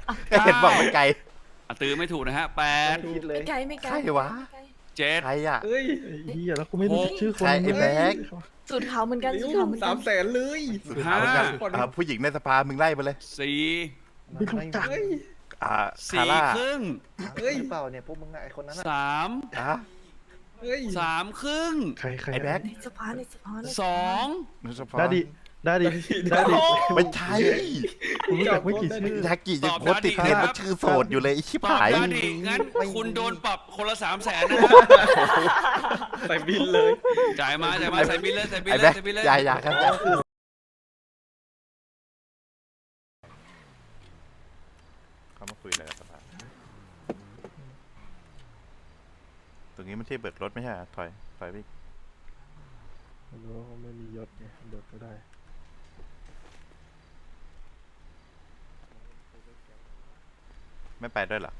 ก็เห็นบอกมันไกลตือไม่ถูกนะฮะแปดคิดเลยไม่ไกลไม่ไกลใครวะเจ็ดใครอ่ะเอ้ยไอ้เหี้ยแล้วกูไม่รู้จักชื่อคนใครไอ้แบ็คสูตรขาวเหมือนกันสูตรขาวเหมือนกั 300,000เลยสุดท้ายกันผู้หญิงในสภามึงไล่ไปเลยสี่ไม่รู้จักเฮ้ยอ่าสี่คาร่าครึ่งเฮ้ยเปล่าเนี่ยพวกมึงไอคนนั้นสามอ่ะเฮ้ยสามครึ่งใครไอ้แบ็คในสภาในสภาสองในสภาได้ดิได้ดิได้ดิไม่ใช่กูรู้จักไม่กี่ชื่อยากิยังโคตรติดเทรนด์ว่าชื่อโสดอยู่เลยไอ้ชิบตอบหายได้ดิงั้นคุณโดนปรับคนละ300,000นะฮะใส่บินเลยจ่ายมาใส่บินเลยใส่บินไอ้เลแบ็ยคใส่บินเลยอย่าครับอย่าเขามาคุยอะไรกับสภาตรงนี้มันที่เบิกรถไม่ใช่เหรอถอยไปอีกไม่รู้ว่าไม่มียศไงเบิกก็ได้ไม่ไปด้วยเหรอ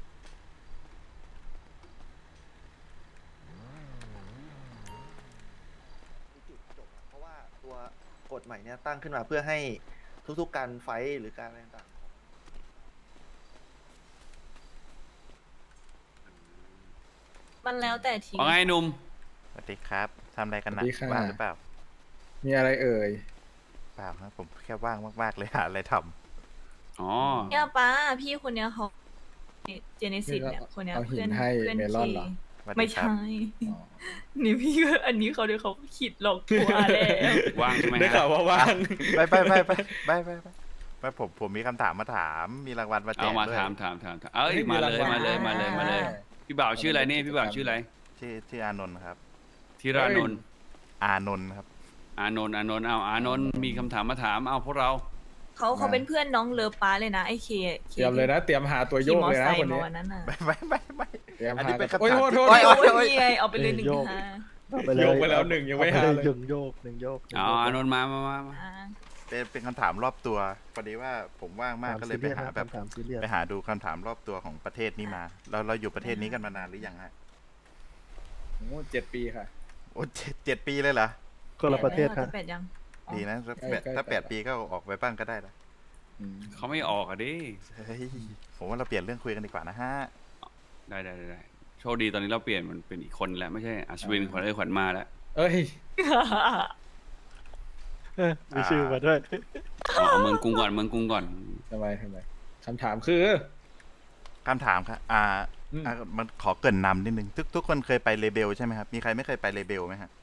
จุดจบเพราะว่าตัวกฎใหม่เนี่ยตั้งขึ้นมาเพื่อให้ทุกๆการไฟท์หรือการอะไรต่างมันแล้วแต่ทีว่าไงหนุ่มสวัสดีครับทำอะไรกันนะสวัสดีค่ะว่างหรือเปล่ามีอะไรเอ่ยเปล่าครับผมแค่ว่างมากๆเลยหาอะไรทอ๋อเนี่ยป้าพี่คนเนี้ยเขาเจเนซิสเนี่ยคนเนี้ยเอาหินเพื่อนให้เพื่อนเมลอนเหรอำสวัสดีไม่ครับใช่ นี่พี่ก็อันนี้เขาเดี๋ยวเขาขิดหลอกตัวแล้วว่างใช่ไหมได้ฮะข่าวว่าว่างไปผมมีคำถามมาถามมีรางวัลมาแจเอากมาด้วยถามเอ้ยมาเลยพี่บ่าวชื่ออะไรนี่พี่บ่าวชื่ออะไรชื่ออานนท์ครับธีรานนท์อานนท์ครับอานนท์เอาอานนท์มีคำถามมาถามเอาพวกเราเขาเป็นเพื่อนน้องเลิฟป้าเลยนะไอ้เคเตรียมเลยนะ เตรียมหาตัวโยขี่กมอเลยไซนะค์คนมานี้วันนั้นน่ะไม่เตรียมอันหานี้เป็นกันคำถามโอ้ยโทษโอ้ยโอ้ยนี่ไงเอาไปเลยหนึ่งฮะไปเลยโยกไปแล้วหนึ่งยังไม่หาเลยหนึ่งโยกหนึ่งโยกเอาอานนท์มาอ่าเป็นคำถามรอบตัวพอดีว่าผมว่างมากก็เลยไปหาแบบถามซีเรียสไปหาดูคำถามรอบตัวของประเทศนี้มาเราอยู่ประเทศนี้กันมานานหรือยังฮะโอ้7 ปีค่ะโอ้เจ็ดปีเลยเหรอคนละประเทศครับแปดยังดีนะถ้า8 ปีก็ออกไปบ้างก็ได้ละเขาไม่ออกอ่ะดิเฮ้ยผมว่าเราเปลี่ยนเรื่องคุยกันดีกว่านะฮะได้โชคดีตอนนี้เราเปลี่ยนมันเป็นอีกคนแล้วไม่ใช่อัศวินขวัญขวัญมาแล้วเอ้ยมีชื่อมาด้วยเอาเมืองกรุงก่อนทำไมคำถามคือคำถามครับอืมมันขอเกรินนำนิดนึงทุกคนเคยไปเลเบลใช่ไหมครับมีใครไม่เคยไปเลเบลไหมฮะ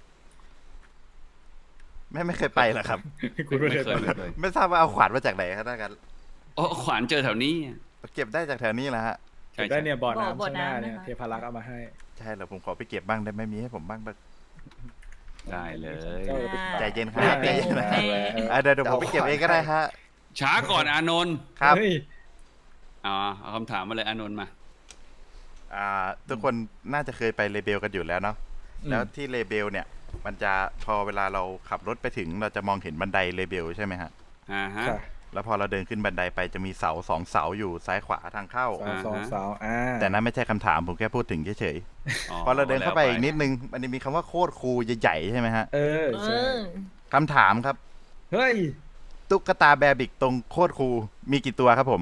ไม่เคยไปเหรอครับคุณไม่เคยเลยไม่ทราบว่าเอาขวานมาจากไหนครับท่านกันโอ้ขวัญเจอแถวนี้เก็บได้จากแถวนี้แหละฮะใช่ได้เนี่ยบ่อน้ำบ่อข้างหน้าน้ำเนี่ยนะคะเทพารักษ์เอามาให้ใช่เหรอผมขอไปเก็บบ้างได้ไหมมีให้ผมบ้างปะได้เลยเจ้าใจเย็นครับได้ใจเย็นนะได้เดี๋ยวผมไปเก็บเองก็ได้ฮะช้าก่อนอานนท์ครับเฮ้ยเอาคำถามมาเลยอานนท์มาทุกคนน่าจะเคยไปเลเบลกันอยู่แล้วเนาะแล้วที่เลเบลเนี่ย มันจะพอเวลาเราขับรถไปถึงเราจะมองเห็นบันไดเลเบลใช่ไหมฮะฮะค่ะแล้วพอเราเดินขึ้นบันไดไปจะมีเสา2 เสาอยู่ซ้ายขวาทางเข้าสาวแต่นั้นไม่ใช่คำถามผมแค่พูดถึงเฉยๆพอเราเดินเข้าไปอีกนิดนึงมันจะมีคำว่าโคตรคูลใหญ่ๆใช่ไหมฮะเออเอใช่อคำถามครับเฮ้ยตุ๊กตาแบร์บิกตรงโคตรคูลมีกี่ตัวครับผม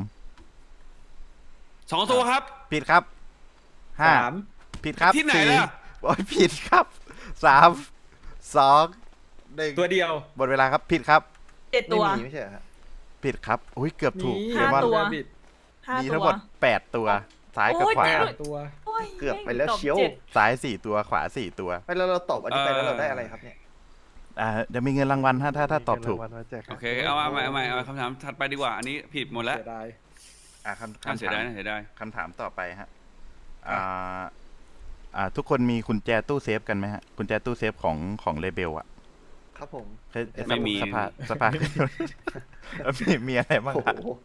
2 ตัวครับผิดครับห้า 3 ผิดครับที่ไหนสี่ล่ะโอ้ยผิดครับ3 2 1 ตัวเดียวหมดเวลาครับผิดครับ 7 ไม่ตัวมีไม่ใช่เหรอฮะผิดครับอุ้ยเกือบถูกมีเดี๋ยวว่า 5 ตัวบิด 5 มีตัทั้งวหมด8 ตัวซ้ายกับโอ้ยขวาตัวโอ้ยเกือบไปแล้วเชียวตอบจ็ดซ้าย4 ตัวขวา4 ตัวไปแล้วเราตอบอันนี้ไปแล้วเราได้อะไรครับเนี่ยเดี๋ยวมีเงินรางวัลถ้าตอบถูกมีรางวัลมาแจกคโอรับเคเอาคำถามถัดไปดีกว่า อันนี้ผิดหมดแล้วเสียดายคำเสียถาดายมนะเสียดายคำถามต่อไปฮะทุกคนมีกุญแจตู้เซฟกันไหมฮะกุญแจตู้เซฟของเลเบลอะครับผมเคยสภามีอะไรบ้างโอ้ครับโห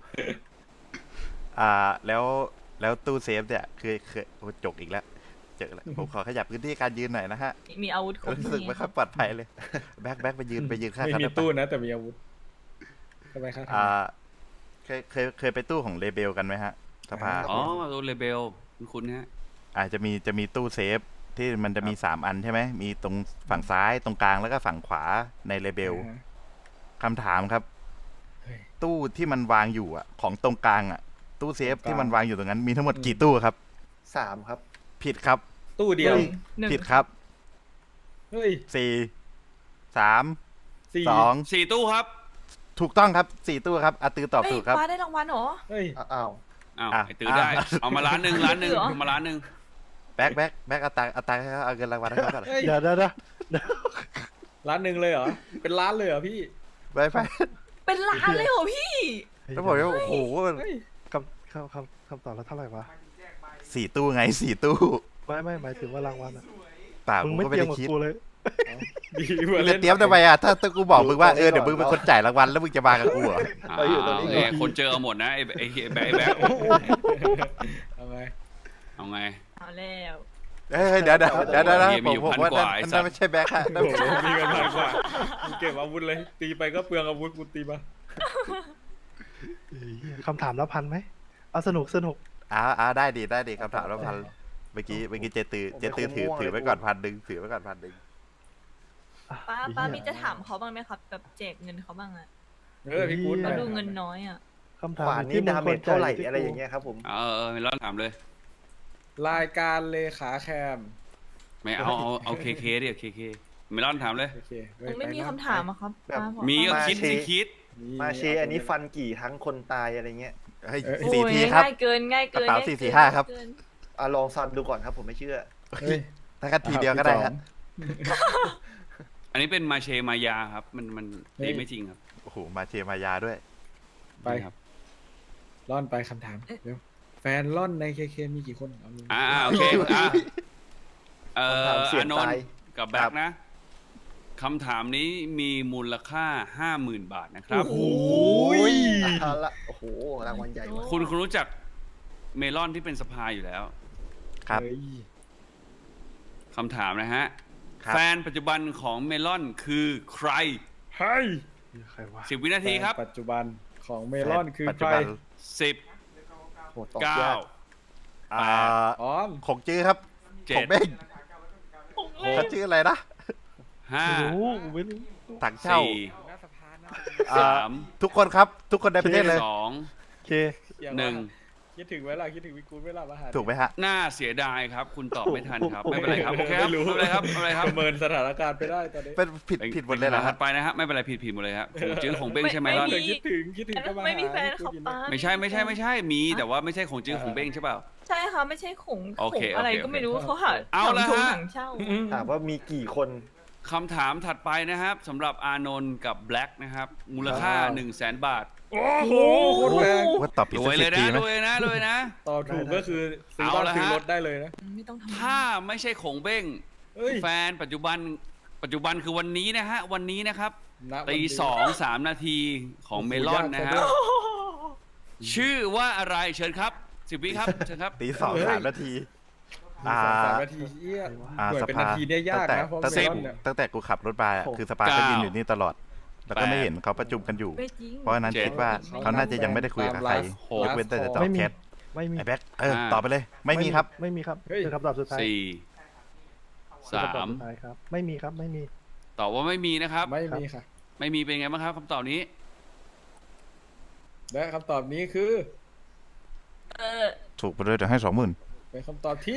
แล้วตู้เซฟเนี่ยเคยโอ้จกอีกแล้วเจอแล้วผมขอขยับพื้นที่การยืนหน่อยนะฮะมีอาวุธครบรู้สึกไม่ค่อยปลอดภัยเลยแบ็คไปยืนข้างไม่กันมีได้ปะตู้นะ แต่มีอาวุธทำไมครับเคยไปตู้ของเลเบลกันไหมฮะสภาอ๋อตัวเลเบลคุณฮะจะมีตู้เซฟที่มันจะมี3 อันใช่ไหมมีตรงฝั่งซ้ายตรงกลางแล้วก็ฝั่งขวาในเลเบลอ่าฮะคำถามครับเฮ้ยตู้ที่มันวางอยู่อ่ะของตรงกลางอ่ะตู้เซฟที่มันวางอยู่ตรงนั้นมีทั้งหมดกี่ตู้ครับ 3 ครับผิดครับตู้เดียวหนึ่งผิดครับเฮ้ยสี่สามสี่สอง 4 ตู้ครับถูกต้องครับ4ตู้ครับอาตือตอบเฮ้ยถูกครับป้าได้รางวัลเหรอเฮ้ยอ้าวอ้าวอ่ะไอ้ตื้อได้อ่ะเอามาล้านหนึ่งล้านหนึ่งเหรอเอามาล้านหนึ่งแบ็คเอาตังค์ให้เขาเอาเงินรางวัลให้เขาก่อนเฮ้ยเดี๋ยวล้านหนึ่งเลยเหรอ เป็นล้านเลยเหรอพี่ไปเป็นล้านเลยเหรอพี่แล้วบอกว่าโอ้โหเฮ้ยคำตอบแล้วเท่าไหร่วะ 4 ตู้ไง4 ตู้ไม่หมายถึงว่ารางวัลอะป่ามึมึงงไม่ก็เตไม่รียมได้กับคิดกูเลยดีมึมางจะเล่นเตรียมทำไมอ่ะถ้ากูบอกมึงว่าเดี๋ยวมึงเป็นคนจ่ายรางวัลแล้วมึงจะมากับกูเหรอเราอยู่ตรงนี้ก่อนคนเจอเอาหมดนะไอ้แบ๊กเอาไงเอาไงเอาแล้วเฮ้ยเดี๋ยวมีอยู่ผมพันว่ากว่าไอ้สันั่ตว์นไม่ใช่แบ็คฮะนั่นโอ้โหมีกันพันกว่ามึงเก็บอาวุธเลย ตีไปก็เปลืองอาวุธกูตีมาคำถามละ1,000ไหมเอาสนุกได้ดีคำถามแล้วพันเมื่อกี้เจตือถือไว้ก่อน1,000ถือไว้ก่อน1,000 อ่ะป้าไอ้เหี้ยมีจะถามเขาบ้างไหมครับแบบแจกเงินเขาบ้างอะพี่กู๊ดเราดูเงินน้อยอะคำถามขวานที่นี่มึงดาคเมวจรเท่าไหร่จ่อะไรอย่างเงี้ยครับผมไม่รอดถามเลยรายการเลขาแคมไม่เอาเคดิเคไม่รอดถามเลยโอเคผมไม่มีคำถามอะครับแบบป้าบอกมีก็มาคิดเชสิคิดมาเชอันนี้ฟันกี่ทั้งคนตายอะไรเงี้ยเฮ้ยโอ้ย 4 ทีครับง่ายเกินกระเป๋าง่ย 4 4 5ครับเกินลองซันดูก่อนครับผมไม่เชื่อเฮ้ยถ้ากันทีเดียวก็ได้ครับอันนี้เป็นมาเชมายาครับ มันตีไม่จริงครับโอ้โหมาเชมายาด้วยไปนี่ครับล่อนไปคำถามเร็วแฟนล่อนในเคมีกี่คนเอาเลยโอเคคำถามเสี่ยงอานนตายท์กับแบ็คนะคำถามนี้มีมูลค่า 50,000 บาทนะครับโอ้ยเอาละโอ้โหรางวัลใหญ่ว่ะคุณรู้จักเมลอนที่เป็นสภาอยู่แล้วครับเฮ้ยคำถามนะฮะครับแฟนปัจจุบันของเมลอนคือใครเฮ้ยใครวะ 10 วินาทีครับปัจจุบันของเมลอนคือปัจใคจุรบันโหตอบยาก 10 9 ออมของจื้อครับของเบ้งผมเลเขายชื่ออะไรนะไม่รู้ 5 กูไม่รู้ถังเช่าหน้าสภานะทุกคนครับ ทุกคนในประเทศเลย 2 เค 1 คิดถึงเวลาคิดถึงวิกูลเวลามาหาถูกไหมฮะน่าเสียดายครับ คุณตอบไม่ทันครับ ไม่เป็นไรครับ โอเคครับไม่รู้ไม่เป็นไรครับไม่เป็นไรครับประเมินสถานการณ์ไปได้ตอนนี้เป็นผิดหมดเลยเหรอถัฮะดไปนะฮะไม่เป็นไรผิดหมดเลยครับของจื้อของเบ้งใช่ไหมล่ะคิดถึงก็มาหาไม่มีแฟนครับป้าไม่ใช่มีแต่ว่าไม่ใช่ของจื้อของเบ้งใช่เปล่าใช่ค่ะไม่ใช่ขงโอเคอะไรโอเคก็ไม่รู้เขาหาเอาละฮะถังเช่าถามว่ามีกี่คนคำถามถัดไปนะครับสำหรับอานนท์กับแบล็กนะครับ มูลค่า 100,000 บาทโอ้โหโคตรแพงว่าตอบผิดรสัวยกเลสิยบนะทีไหมรวยนะรวยนะต่อถูกก็คือซื้อบ้านเอาละฮะซื้อรถได้เลยนะไม่ต้องทำถ้าไม่ใช่ของเบ้งเฮ้ยแฟนปัจจุบันคือวันนี้นะฮะวันนี้นะครับณวันตีนี้ 2-3 นาทีของเมลอนนะฮะโอ้โหชื่อว่าอะไรเชิญครับ10 วิครับเชิญครับตี2-3 นาทีมี2-3 นาทีเอี้ยหน่วยเป็นนาทีเนี่ยยากนะเพราะตั้งเมแต่ลอนเนี่ยตั้งแต่กูขับรถมาอะคือสปาก็ยืนอยู่นี่ตลอด แล้วก็ไม่เห็นเขาประชุมกันอยู่ไม่จริงเพราะฉะนั้นคิดว่าเขาน่าจะยังไม่ได้คุยกับใครยกเว้นแต่จะตอบไม่มีแชทไม่มีไอ้แบ็คตอบไปเลย ไม่มีครับไม่มีครับเฮ้ยคือคำตอบสุดท้าย 4 คือคำตอบสุดท้ายครับ ไม่มีครับ ไม่มี 3ตอบว่าไม่มีนะครับไม่มีค่ะไม่มีเป็นไงบ้างครับคำตอบนี้และคำตอบนี้คือถูกไปเลยเดี๋ยวให้ 20,000 เป็นคำตอบที่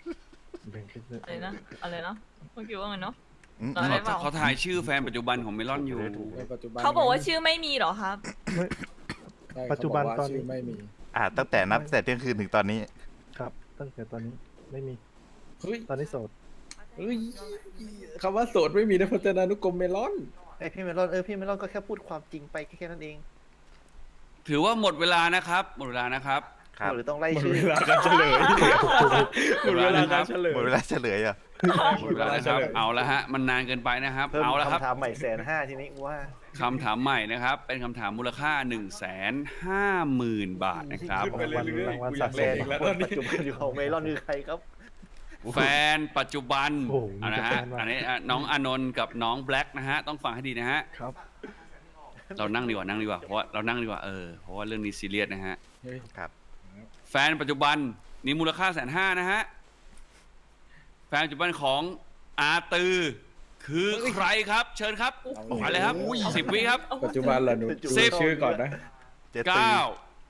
อะไรนะเมื่อกี้ว่าไงเนาะอืมตอนแรกเขาถ่ายชื่อแฟนปัจจุบันของเมลอนอยู่ในปัจจุบันเขาบอกว่าชื่อไม่มีเหรอครับใช่ปัจจุบันเขากว่าตอนนี้ชื่ไม่มีตั้งแต่นับแต่เที่ยงคืนถึงตอนนี้ครับ ตั้งแต่ตอนนี้ไม่มีเฮ้ยตอนนี้โสดเฮ้ยคำว่าโสดไม่มีในพจนานุกรมเมลอนไอยพี่เมลอนพี่เมลอนก็แค่พูดความจริงไปแค่นั้นเองถือว่าหมดเวลานะครับ หมดเวลานะครับครับหรือต้องไล่หมดชื่อเวลาการเฉลยหมดเวลาการเฉลยหมดเวลาเฉลยอ่ะหมดเวลานะครับ เอาละฮะ มันนานเกินไปนะครับเพิ่มเอาละครับคำถามใหม่150,000ทีนี้กูว่าคำถามใหม่นะครับ เป็นคำถามมูลค่า 150,000 บาทนะครับขึ้นไปเรื่อยๆกูอยากแฟเล่นนอีกแล้วคตอน นปัจนี้จุบันอยู่ของเมลอนคือใครครับแฟนปัจจุบันโอ้โหเอานะฮะมีแต่แฟนว่ะอันนี้น้องอานนท์กับน้องแบล็กนะฮะ ต้องฟังให้ดีนะฮะครับเรานั่งดีกว่า เพราะว่าเรานั่งดีกว่า เพราะว่าเรื่องนี้ซีเรียสนะฮะเฮ้ยครับแฟนปัจจุบันนี่มูลค่า150,000นะฮะ แฟนปัจจุบันของอาตือ คือใครครับ เชิญครับไปเลยครับ10 วิครับปัจจุบันเหรอหนูสิบชื่อก่อนนะเจตี 9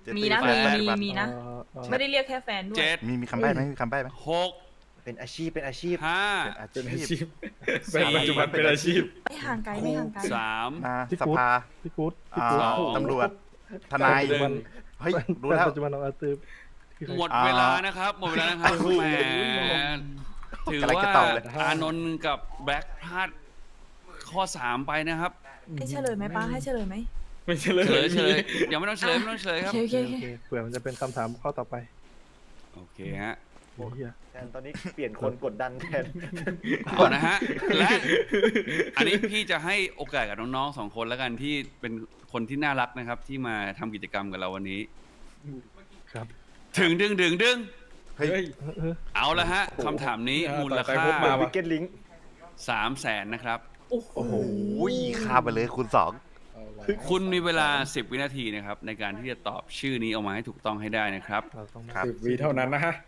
เจ๊มีตือนะแฟนปัจจุบันมีนะ ไม่ได้เรียกแค่แฟนด้วยเจ็ดมีคำใบ้ไหมมีคำใบ้ไหมหกเป็นอาชีพเป็นอาชีพห้าเป็นอาเป็นอาชีชีพพเป็นปัจจุบันเป็นอาชีพไม่ห่างไกลไม่ห่างไกลสามมาพี่สกู๊ดภาพี่กู๊ดพี่อ่ากู๊ดสองตำรวจทนายหนึ่งเฮ้ยรู้แฟนแล้วปัจจุบันของอาตือคือใครหมดเวลานะครับ หมดเวลานะครับแหมถือว่าอานนท์กับแบล็คพลาดข้อสามไปนะครับให้เฉลยไหมป้าให้เฉลยไหมไม่ใช่เลยเฉลยยังไม่ต้องเฉลยไม่ต้องเฉลยครับโอเคโอเคเผื่อมันจะเป็นคำถามข้อต่อไปโอเคฮะโอ้เหี้ยแทนตอนนี้เปลี่ยนคนกดดันแทนเอานะฮะ และอันนี้พี่จะให้โอกาสกับน้องๆสองคนแล้วกันที่เป็นคนที่น่ารักนะครับ ที่มาทำกิจกรรมกับเราวันนี้ครับถึงดึงเฮ้ยเฮ้ยเออเอาละฮะคำถามนี้มูลค่าต่อไปพบมาวิกเก็ตลิง 300,000นะครับโอ้โหโอ้โหข้ามไปเลยคูณคุณมีเวลา10วินาทีนะครับในการที่จะตอบชื่อนี้ออกมาให้ถูกต้องให้ได้นะครับเราต้องครับ 10 วิเท่านั้นนะฮะ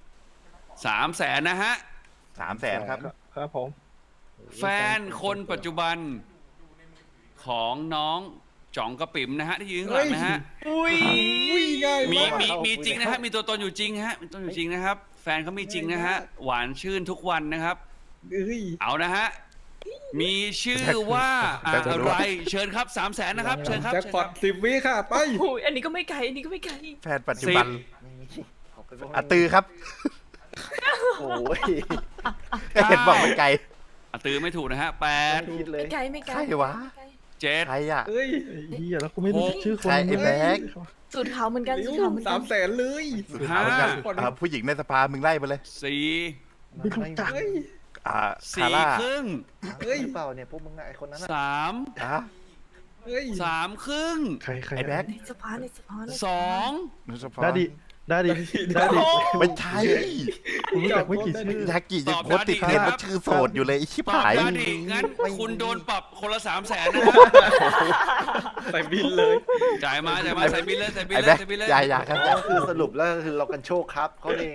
300,000นะฮะ 300,000ครับครับผมแฟนคนปัจจุบันของน้องจ๋องกระปิ๋มนะฮะที่ยืนข้างหลังนะฮะอุ้ยง่ายมีมากมีจริงนะฮะมีตัวตนอยู่จริงฮะมีตัวตนอยู่จริงนะครับ แฟนเขามีจริงนะฮะหวานชื่นทุกวันนะครับเอ้ยเอานะฮะมีชื่อว่าอะไรเชิญครับ300,000นะครับเชิญครับแจ็คพอต10 วิค่ะ ไปโอ้ยอันนี้ก็ไม่ไกลอันนี้ก็ไม่ไกลแฟนปัจจุบันเขาไปบอกอาตือครับโอ้ยก็เห็นบอกไม่ไกลตือไม่ถูกนะฮะไม่ 8 คิดเลยไม่ไกลไม่ไกลใครวะไม่ไกล 7 ใครอ่ะเอ้ยไอ้เหี้ยแล้วกูไม่รู้ชื่อคนใครไอ้แบ็คสูตรขาวเหมือนกันสูตรขาวเหมือนกัน 300,000เลยสุดท้ายเหมือนกันผู้หญิงในสภามึงไล่ไปเลย 4 ไม่รู้จักเฮ้ยคาร่า 4 ครึ่งเฮ้ยหรือเปล่าเนี่ยพวกมึงอะไอคนนั้นอะ 3 อ่ะเฮ้ย 3 ครึ่งใครใครไอ้แบ็คในสภาในสภาในสภา 2 นุสพรได้ดิได้ดิได้ดิไม่ใช่กูรู้จักไม่กี่ชื่อยากิยังโคตรติดเทรนด์ว่าชื่อโสดอยู่เลยไอ้ชิบตอบหายได้ดิงั้นคุณโดนปรับคนละ300,000นะฮะใส่บินเลยจ่ายมาใส่บินเลยใส่บินไอ้เลแบ็ยคใส่บินเลยอย่าครับก็คือสรุปแล้วคือเรากันโชคครับเขาเอง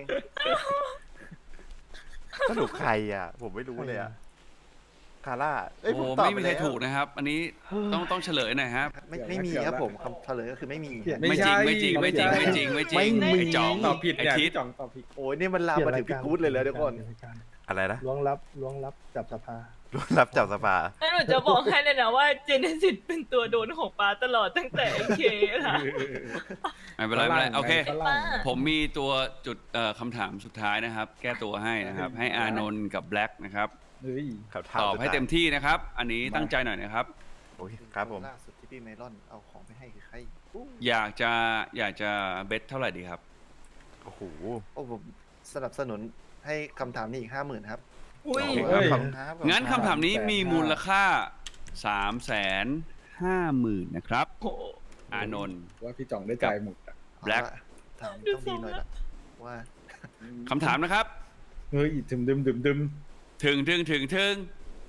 สรุปใครอ่ะ ผมไม่รู้เลยอ่ะคาร่าเอ้ยโอ้ผมโหตอบไม่มีใครปแล้วถูกนะครับ อันนี้ต้องเฉลยหน่อยครับไม่มีครับผมคำเฉลยก็คือไม่มีไม่จริงไม่จริงไม่จริงไม่จริงไม่จริงไอ้จ่องตอบผิดไอ้เนี่ยทิศพี่จ่องตอบผิดโอ้ยนี่มันลามมาถึงพี่กู๊ดเลยแล้วทุกคนอะไรนะล้วงลับจับสภารู้รับจับสภาแล้วหนูจะบอกให้เลยนะว่าเจเนซิสเป็นตัวโดนของป้าตลอดตั้งแต่ไอเคค่ะไม่เป็นไรไม่เป็นไรโอเคฝรั่งผมมีตัวจุดคำถามสุดท้ายนะครับ แก้ตัวให้นะครับ ให้อานนท์กับแบล็กนะครับเฮ้ยครับตอบให้เต็มที่นะครับ อันนี้ตั้งใจหน่อยนะครับโอ้ยครับผมล่าสุดที่พี่เมลอนเอาของไปให้คือใครอยากจะเบสเท่าไหร่ดีครับโอ้โหโอ้ผมสนับสนุนให้คำถามนี้อีก 50,000ครับอุ้ยขอบคุณครับงั้นคำถามนี้มีมูลค่า 350,000นะครับโอ้โหอานนท์ว่าพี่จ่องได้จ่ายหมดอะเอา Black ละถามต้องดีหน่อยละว่าคำถามนะครับเฮ้ยดึมถึง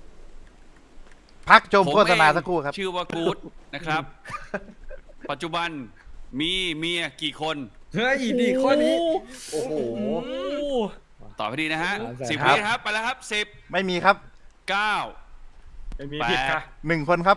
พักชมผมโฆษณาเองสักครู่ครับชื่อว่ากู๊ดนะครับ ปัจจุบันมีเมียกี่คนเฮ้ยดีข้อนี้โอ้โหตอบให้ดีนะฮะ 300,000 10 ครับวิครับไปแล้วครับไม่มีครับ 10 9 ไม่มีผิดค่ะ 1 คนครับ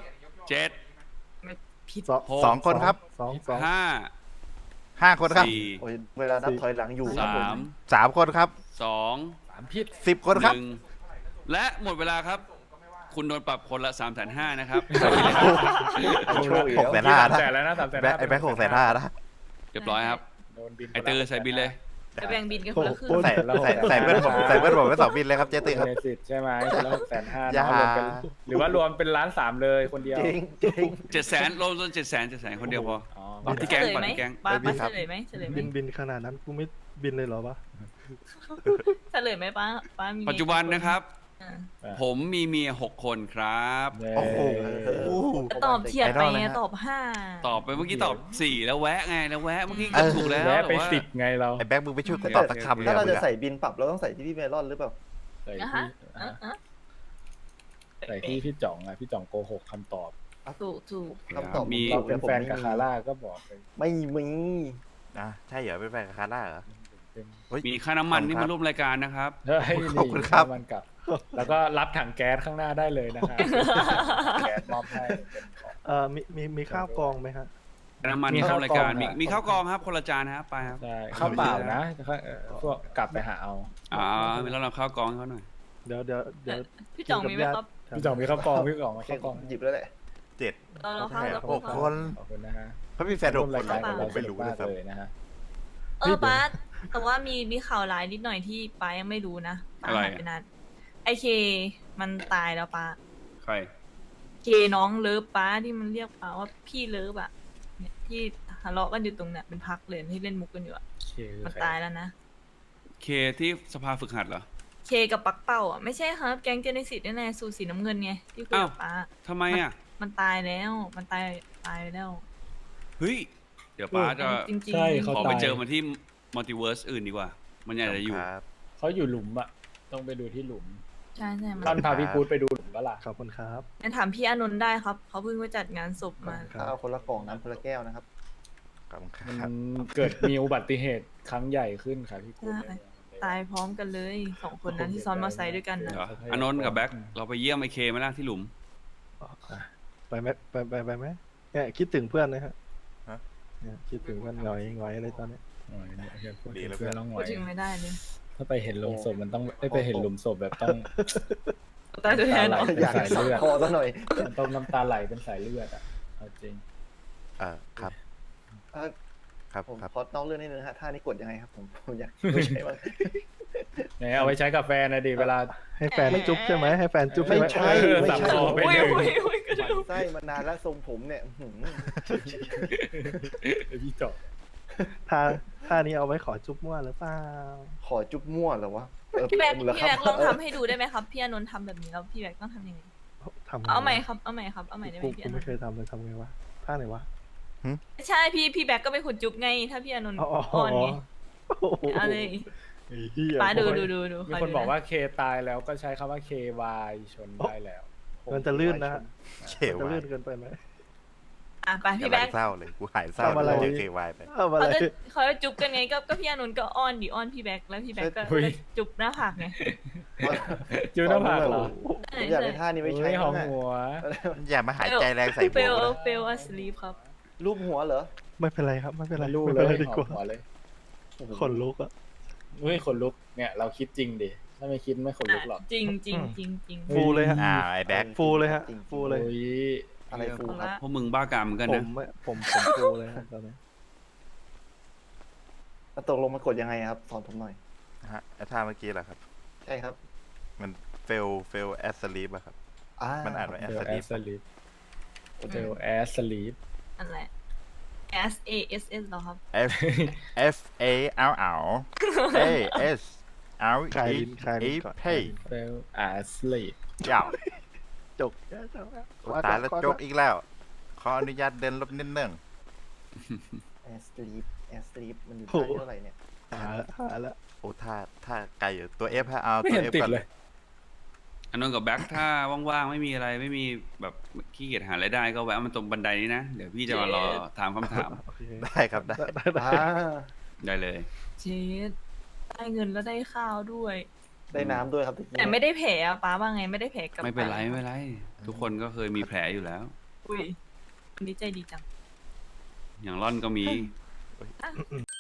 7 ผิดสองคนครับสอง 5 5 คนครับโอ้ยเวลานับถอยหลังอยู่ครับผม 4 3 คนครับ 3 2 ผิด 10 คนครับ 1และหมดเวลาครับ คุณโดนปรับคนละ 350,000นะครับโชคอีกหกแสแล้วนห้านะ 300,000แล้วนะ300,000 แบ็คไอ้แบ็ค650,000นะเรียบร้อยครับโดนบินไอตือใส่บินเลยจะแบ่งบินกันคนละครึ่งใส่เพื่อนผมใส่เพื่อนผมไป2 บินเลยครับเจ๊ตือครับเนสิตใช่ไหมคนละ650,000 อย่ารวมกันหรือว่ารวมเป็น1,300,000เลยคนเดียวจริงจริง 700,000รวม700,000คนเดียวพออ๋อเอาที่แก๊งเฉลยก่อนไหมที่แก๊งป้าไม่มีครับเฉลยไหมเฉลยไหมบินขนาดนั้นกูไม่บินเลยเหรอวะเฉลยไหมป้ามีปัจจุบันนะครับอ่าผมมีเมีย6 คนครับโอ้โหตอบเฉียดไปไอดอลไงนะฮะตอบห้าตอบไปเมื่อกี้ตอบ 4 แล้วแวะไงแล้วแวะเมื่อกี้ก็ถูกแล้วแวะไปแต่ว่า 10ไงเราไอ้แบ็คมึงไปช่วยกูตอบสักคำเลยถ้าเรามึจะงอะใส่บินปรับเราต้องใส่ที่พี่เมลอนหรือเปล่าใส่นะที่ฮะอ่ะอ่ะใส่ที่พี่จ่องอะพี่จ่องโกหกคำตอบถูกคำตอบมีเราเป็นแฟนกับคาร่าก็บอกไปไม่มีใช่เหรอเป็นแฟนกับคาร่าเหรอเป็นเฮ้ยมีค่าน้ำมันขอบคุณที่ครับมาร่วมรายการนะครับเฮ้ยขอบคุณครับมันกลับ แล้วก็รับถังแก๊สข้างหน้าได้เลยนะครับแก๊สมอบให้เป็นของมีข้าวกองไหมฮะน้ำมันมีเข้าข้าวรายการกล่องมีข้าวกล่องครับคนละจานนะครับไปครับใช่ข้าวเปล่านะพวกกลับไปหาเอามีแล้วเราข้าวกล่องให้เขาหน่อยเดี๋ยวพี่จ่องมีไหมครับพี่จ่องมีข้าวกล่องพี่จ่องมาข้าวกล่องหยิบแล้วแหละ 7 เราเข้าแล้วหกคนขอบคุณนะฮะเขามีแฟน6 คนรายการของผเรามไม่รู้สนุกเลยมากครับเลยนะฮะป้าแต่ว่ามีข่าวร้ายนิดหน่อยที่ป้ายังไม่รู้นะป้าอะไรหายไปนานไอเคมันตายแล้วป้าใครเคน้องเลิฟป้าที่มันเรียกป้าว่าพี่เลิฟอะเนี่ยที่ทะเลาะกันอยู่ตรงเนี่ยเป็นพักเลยที่เล่นมุกกันอยู่อะมันตายแล้วนะเคที่สภาฝึกหัดเหรอเคกับปักเป้าอ่ะไม่ใช่ครับแก๊งเจเนซิสนี่แหละสูตรสีน้ำเงินไงที่คุยกับป้าทำไมอ่ะมันตายแล้วมันตายไปแล้วเฮ้ย เดี๋ยวป้าจะจริงๆใช่เขาขอไปตายเจอมันที่มัลติเวิร์สอื่นดีกว่า มันอยากจะอยู่ครับเขาอยู่หลุมอะต้องไปดูที่หลุมใช่ใช่มันท่านพาพี่กู๊ดไปดูหลุมก็ล่ะขอบคุณครับงั้นถามพี่อานนท์ได้ครับเขาเพิ่งไปจัดงานศพมาครับข้าวคนละกล่องน้ำคนละแก้วนะครับขอบคุณคมัรับนเกิดมีอุบัติเหตุครั้งใหญ่ขึ้นค่ะพี่กู๊ดใช่ ตายพร้อมกันเลย2 คนนั้นที่ซ้อนมอเตอร์ไซค์ด้วยกันนะเดี๋ยวอานนท์กับแบ็คเราไปเยี่ยมไอเคไหมล่ะที่หลุมไปไหมไปไหมเนี่ยคิดถึงเพื่อนนะฮะฮะเนี่ยคิดถึงเพื่อนหงอยเลยตอนนี้โอ้ยเนี่ยพูดดีถึงแล้วเพื่อนร้องหพูวดยถึงไม่ได้เลยถ้าไปเห็นหลุมศพมันต้องไปเห็นหลุมศพแบบต้องตายตัวแทนเหรอเป็นอยากสายเลือดคอซะหน่อยมันต้องน้ำตาไหลเป็นสายเลือดอ่ะเอาจริงครับเอ่อครับผมครับขอนอกเรื่องนิดนึงฮะท่านี้กดยังไงครับผมอยากไม่ใช่บ้างไหนเอาไปใช้กับแฟนนะดิเวลาให้แฟนจุ๊บใช่ไหมให้แฟนจุ๊บไม่ใช่ไหมใช่เออไม่สับใช่คอไปอุ้ยหนึ่งอุ้ยก็หดูมั่นไส้มานานแล้วทรงผมเนี่ยอื้อหือพี่จบท่านี้เอาไว้ขอจุ๊บมั่วหรือเปล่าขอจุ๊บมั่วเหรอวะพี่แบ็คเหรอพี่คแบ็รัคบลองทำให้ดูได้ไหมครับพี่อานนท์ทำแบบนี้แล้วพี่แบ็คต้องทำยังไงทำไงเอาใหม่ครับเอาใหม่ครับเอาใหม่ได้ไหมกูพี่กูอานไม่นท์เคยทำเลยทำไงวะท่าไหนวะไม่ใช่พี่แบ็คก็เป็นคนจุ๊บไง ถ้าพี่อานนท์อ๋ออ่อนไงโอ้โหเอาเลยไอ้เหี้ยป้าดูมีคนบอกว่าเคตายแล้วก็ใช้คำว่า KY ชนได้แล้วมันจะลื่นนะฮะเขมันจะวาลื่ยนเกินไปไหมอ่ะไปพี่กำแบ็ลัคงเศร้าเลย กูหายเศร้าทำอะไรเจอเควายไปเอาอะไรเขาจะจุ๊บกันไงก็พี่อานนท์ก็อ้อนดิอ้อนพี่แบ็คแล้วพี่แบ็คก็อุ๊ยจุ๊บหน้าผากไงจิ้วหน้าผากเหรอผมอยากได้ท่านี้ไว้ใช้เฮ้ยหอบ้าม งอะหัวอย่ามาหายใจแรงใส่เฟผมลนะเฟลอสลีปครับรูปหัวเหรอไม่เป็นไรครับไม่เป็นไรไม่รู้ไม่เลเป็นไรยดีหกอมว่าหัวเลยขนลุกอ่ะเฮ้ยขนลุกเนี่ยเราคิดจริงดิถ้าไม่คิดไม่ขนลุกหรอกจริงจริงจริงจริงฟูเลยฮะไอ้แบ็คฟูเลยฮะฟูเลยโอ้ยอะไรฟูครับพวกมึงบ้ากามเหมือนกันผนะมผมฟูเลยฮะตอนนี้แล้วตกลงมันกดยังไงครับ สอนผมหน่อยฮะไอ้ท่าเมื่อกี้แหละครับใช่ครับมันเฟลแอสลีปอะครับ มันอ่านว่าเฟลแอสลีปโอเคเฟลแอสลีปนั่นแหละ S A S S เหรอครับ F F A L L A S L คลาย E ลิ้นคลาย E ลิ้นก่อน P เฟลแอสลีปเจ้าจกตายแล้วจกอีกแล้ว ขออนุญาตเดินลบนิดนึงแอสลีปแอสลีปมันอยู่ท่าเท่าไหร่เนี่ยหาละโอ้ท่าไกลอยู่ตัว F ฮะเอาไม่ตัวเห็น F ติดก่อนเลยอานนท์กับแบ็คถ้าว่างๆไม่มีอะไรไม่มีแบบขี้เกียจหารายได้ก็แวะมาตรงบันไดนี้นะ เดี๋ยวพี่จะมารอถามคำถามโอเคได้ครับได้ได้อ่าได้เลยเจ็ดได้เงินแล้วได้ข้าวด้วยได้น้ำด้วยครับแต่ไม่ได้แผลอะป้าว่าไงไม่ได้แผลกับไม่เป็นไรไม่เป็นไร ทุกคนก็เคยมีแผลอยู่แล้วอุ้ยวันนี้ใจดีจังอย่างร่อนก็มีอ่ะ